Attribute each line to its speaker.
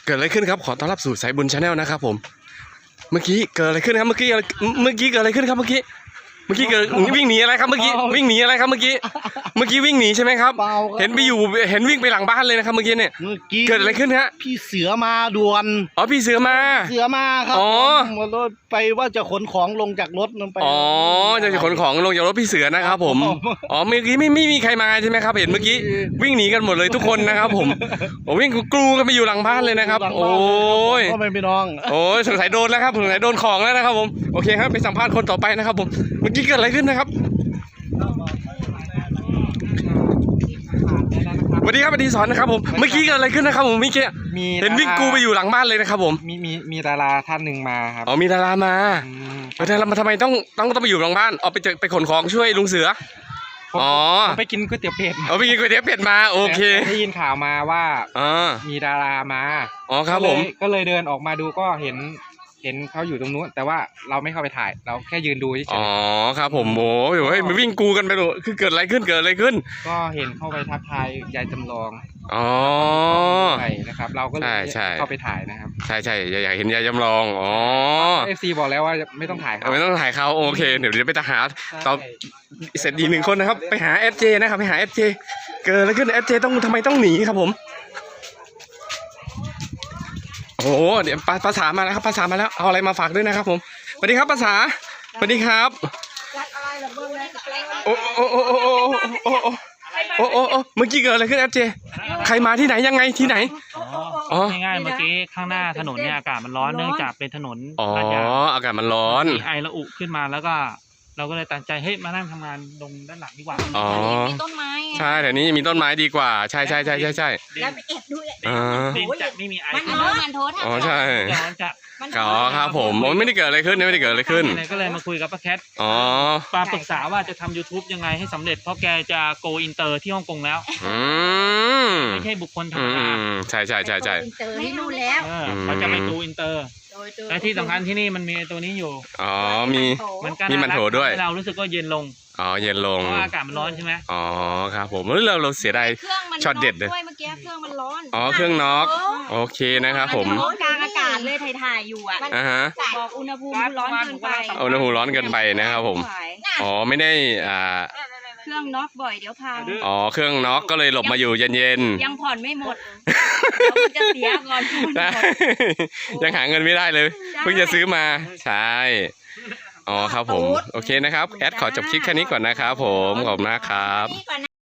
Speaker 1: เกิดอะไรขึ้นครับขอต้อนรับสู่สายบุญชาแนลนะครับผมเมื่อกี้เกิดอะไรขึ้นครับเมื่อกี้เกิดอะไรขึ้นครับเมื่อกี้เกิดวิ่งหนีอะไรครับเมื่อกี้วิ่งหนีอะไรครับเมื่อกี้วิ่งหนีใช่ไหมครับเห็นวิ่งไปหลังบ้านเลยนะครับเมื่อกี้เนี่ยเกิดอะไรขึ้นฮะ
Speaker 2: พี่เสือมาด่วน
Speaker 1: อ๋อพี่เสือมา
Speaker 2: ครับอ๋อไปว่าจะขนของลงจากรถนั่นไป
Speaker 1: อ๋อจะขนของลงจากรถพี่เสือนะครับผมอ๋อเมื่อกี้ไม่มีใครมาใช่ไหมครับเห็นเมื่อกี้วิ่งหนีกันหมดเลยทุกคนนะครับผมวิ่งกรูกันไปอยู่หลังบ้านเลยนะครับโอ้ย
Speaker 2: ก็ไม่พี่น้อง
Speaker 1: โอ้ยสงสัยโดนแล้วครับสงสัยโดนของแล้วนะครับผมโอเคครับไปสัมภาษณ์คนต่อไปนะครับผมเมื่อกี้เกิดอะไรขึ้นนะครับสวัสดีครับสวัสดีสอนนะครับผมเมื่อกี้เกิดอะไรขึ้นนะครับผมเมื่อกี้เห็นวิ่งกูไปอยู่หลังบ้านเลยนะครับผม
Speaker 3: มีดาราท่านหนึ่งมาครับ
Speaker 1: อ๋อมีดารามาแล้วมาทำไมต้องไปอยู่หลังบ้านเอาไปขนของช่วยลุงเสืออ๋อ
Speaker 3: ไปกินก๋วยเตี๋ยวเป็ด
Speaker 1: ไปกินก๋วยเตี๋ยวเป็ดมาโอเค
Speaker 3: ได้ยินข่าวมาว่ามีดารามา
Speaker 1: อ๋อครับผม
Speaker 3: ก็เลยเดินออกมาดูก็เห็นเขาอยู่ตรงนู้นแต่ว่าเราไม่เข้าไปถ่ายเราแค่ยืนดูเฉย
Speaker 1: อ๋อครับผมโอ้ยมันวิ่งกูกันไปดูคือเกิดอะไรขึ้น
Speaker 3: ก็เห็นเข้าไปทักทายยายจำลอง
Speaker 1: อ๋อ
Speaker 3: ใช่นะครับเราก็เลยเข้าไปถ่ายนะครับ
Speaker 1: ใช่อยากเห็นยายจำลองอ๋อ
Speaker 3: FC บอกแล้วว่าไม่ต้องถ่าย
Speaker 1: เขาโอเคเดี๋ยวไปหาต่อเสร็จดี1คนนะครับไปหา FJ นะครับไปหา FJ เกิดอะไรขึ้น FJ ทำไมต้องหนีครับผมโอ้เดี๋ยวภาษามาแล้วครับภาษามาแล้วเอาอะไรมาฝากด้วยนะครับผมสวัสดีครับภาษาสวัสดีครับโอ้เมื่อกี้เกิดอะไรขึ้นเอฟเจใครมาที่ไหนยังไงที่ไหน
Speaker 4: อ๋อง่ายๆเมื่อกี้ข้างหน้าถนนเนี่ยอากาศมันร้อนเนื่องจากเป็นถนน
Speaker 1: อากาศมันร้อน
Speaker 4: ไอระอุขึ้นมาแล้วก็เราก็เลยตัดใจเฮ้ยมานั่งทำงานตรงด้านหลังดีกว่า
Speaker 1: มีต้นไม้ใช่แต่นี้มีต้นไม้ดีกว่าใช่
Speaker 5: แล้วไปแอบดู
Speaker 4: ดินจะไม่มีไอ
Speaker 5: มันโทษ
Speaker 1: อ๋อใช่ครับผมไม่ได้เกิดอะไรขึ้น
Speaker 4: ก็เลยมาคุยกับป้าแคทปาปรึกษาว่าจะทำ YouTube ยังไงให้สำเร็จเพราะแกจะโกอินเตอร์ที่ฮ่องกงแล้วไม่ใช่บุคคลธรรมดา
Speaker 1: ใช่
Speaker 5: อินเตอร์ที่นู่นแล้ว
Speaker 4: เขาจะไปโกอินเตอร์และที่สำคัญที่นี่มันมีตัวนี้อยู่
Speaker 1: มีมันโถด้วย
Speaker 4: เรารู้สึกก็เย็นลง
Speaker 1: เย็นลง
Speaker 4: เพราะอากาศมันร้อนใช่ไหม
Speaker 1: ครับผมเราเสียดายช็อตเด็ดเลย
Speaker 5: เมื่อกี้เครื่องมันร้อน
Speaker 1: เครื่องน็อกโอเคนะครับผม
Speaker 5: กลางอากาศเลยถ่ายอยู่บอกอุณหภูมิร้อนเกินไป
Speaker 1: อุณหภูมิร้อนเกินไปนะครับผมไม่ได้
Speaker 5: เครื่องน็อกบ่อยเดี๋ยวพัง
Speaker 1: เครื่องน็อกก็เลยหลบมาอยู่เย็น
Speaker 5: ๆยังผ่อนไม่หมดจะเสียก่อน
Speaker 1: ยังหาเงินไม่ได้เลยเพิ่งจะซื้อมาใช่ครับผมโอเคนะครับแอดขอจบคลิปแค่นี้ก่อนนะครับผมขอบคุณมากครับ